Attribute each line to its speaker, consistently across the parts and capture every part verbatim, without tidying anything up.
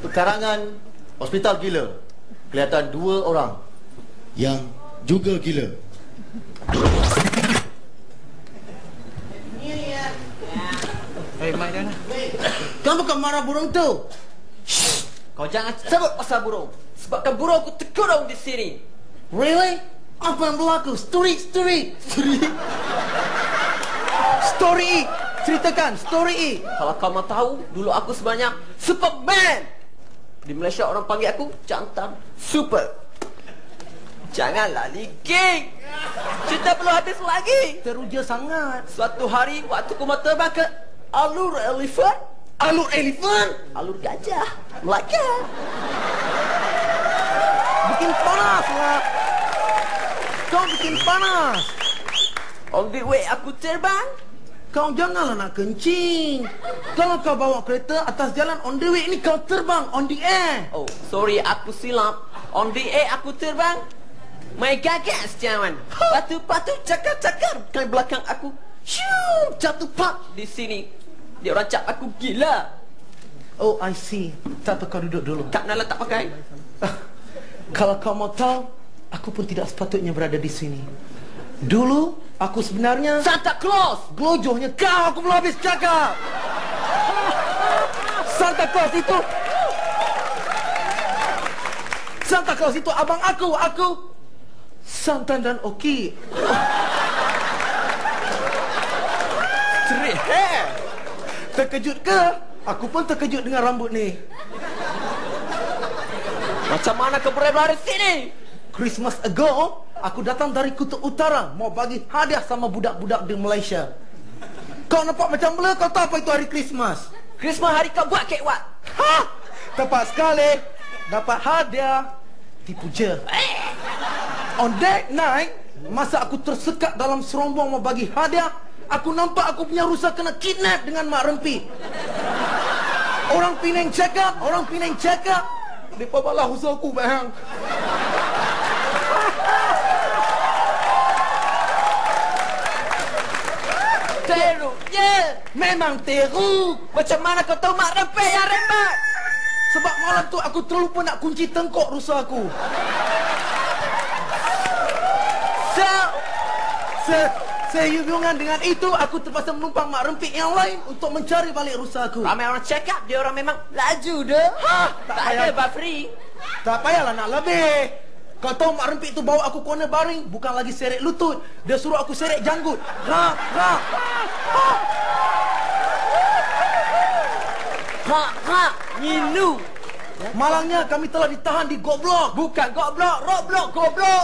Speaker 1: Pekarangan Hospital Gila. Kelihatan dua orang yang juga gila.
Speaker 2: Hei, Mak Dana.
Speaker 3: Kau bukan marah burung tu?
Speaker 2: Shh. Kau jangan sebut pasal burung. Sebabkan burung aku terkurung di sini.
Speaker 3: Really? Apa yang berlaku? Story, story. Story. Story. Ceritakan, story.
Speaker 2: Kalau kau mau tahu, dulu aku sebenarnya Superman. Di Malaysia orang panggil aku jantan super. Janganlah liging. Cerita belum habis lagi.
Speaker 3: Teruja sangat.
Speaker 2: Suatu hari waktu aku mau terbang ke alur elefant.
Speaker 3: Alur elephant.
Speaker 2: Alur gajah Melaka.
Speaker 3: Bikin panas lah. Kau bikin panas.
Speaker 2: On the way aku terbang.
Speaker 3: Kau janganlah nak kencing. Kalau kau bawa kereta atas jalan on the way ni, kau terbang on the air.
Speaker 2: Oh, sorry aku silap. On the air aku terbang. Mai gagas jangan. Patu-patu cakar-cakar ke belakang aku. Shoo, jatuh pak di sini. Dia orang cap aku gila.
Speaker 3: Oh, I see. Tak apa, kau duduk dulu.
Speaker 2: Kak Nala tak pakai.
Speaker 3: Kalau kau mau tahu, aku pun tidak sepatutnya berada di sini. Dulu, aku sebenarnya
Speaker 2: Santa Claus.
Speaker 3: Gelojohnya kau, aku belum habis cakap. Santa Claus itu Santa Claus itu abang aku. Aku Santan dan Oki.
Speaker 2: Cerit. Hey.
Speaker 3: Terkejut ke? Aku pun terkejut dengan rambut ni.
Speaker 2: Macam mana kau boleh berada di sini?
Speaker 3: Christmas ago, aku datang dari Kutub Utara mau bagi hadiah sama budak-budak di Malaysia. Kau nampak macam mana? Kau tahu apa itu hari Christmas?
Speaker 2: Christmas hari kau buat kek wat.
Speaker 3: Ha! Tepat sekali. Dapat hadiah. Tipu je. On that night, masa aku tersekat dalam serombong mau bagi hadiah, aku nampak aku punya rusa kena kidnap dengan Mak Rempi. Orang Penang cakap, orang Penang cakap, mereka balah rusa aku, bang.
Speaker 2: Teruknya.
Speaker 3: Memang teruk.
Speaker 2: Macam mana kau tahu Mak Rempe yang rembat?
Speaker 3: Sebab malam tu aku terlupa nak kunci tengkok rusa aku.
Speaker 2: So,
Speaker 3: Se Sehubungan dengan itu, aku terpaksa menumpang Mak Rempik yang lain untuk mencari balik rusa aku.
Speaker 2: ramai orang cakap dia orang memang laju dah. Ha, tak, tak ada bar free.
Speaker 3: Tak payahlah nak lebih. Kau tahu Mak Rempik tu bawa aku corner baring, bukan lagi seret lutut. Dia suruh aku seret janggut. Ha, ha, ha.
Speaker 2: Ha, ha, nyilu.
Speaker 3: Malangnya kami telah ditahan di Goblok.
Speaker 2: Bukan goblok, roblok, goblok.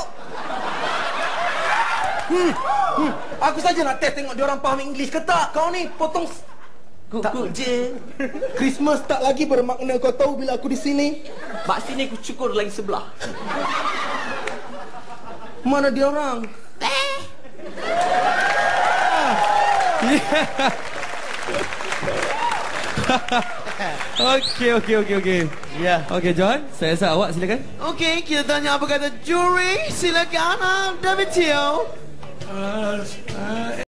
Speaker 3: Hmm, hmm. Aku saja nak test tengok dia orang faham English ke tak. Kau ni potong
Speaker 2: Kukuk je.
Speaker 3: Christmas tak lagi bermakna, kau tahu bila aku di sini.
Speaker 2: Mak sini aku cukur lagi sebelah.
Speaker 3: Mana dia orang?
Speaker 2: Eh.
Speaker 4: Okey, okey, okey, okey.
Speaker 3: Ya.
Speaker 4: Okey, John, saya rasa awak silakan.
Speaker 3: Okey, kita tanya apa kata juri. Silakan, David Teo.
Speaker 4: Uh, uh,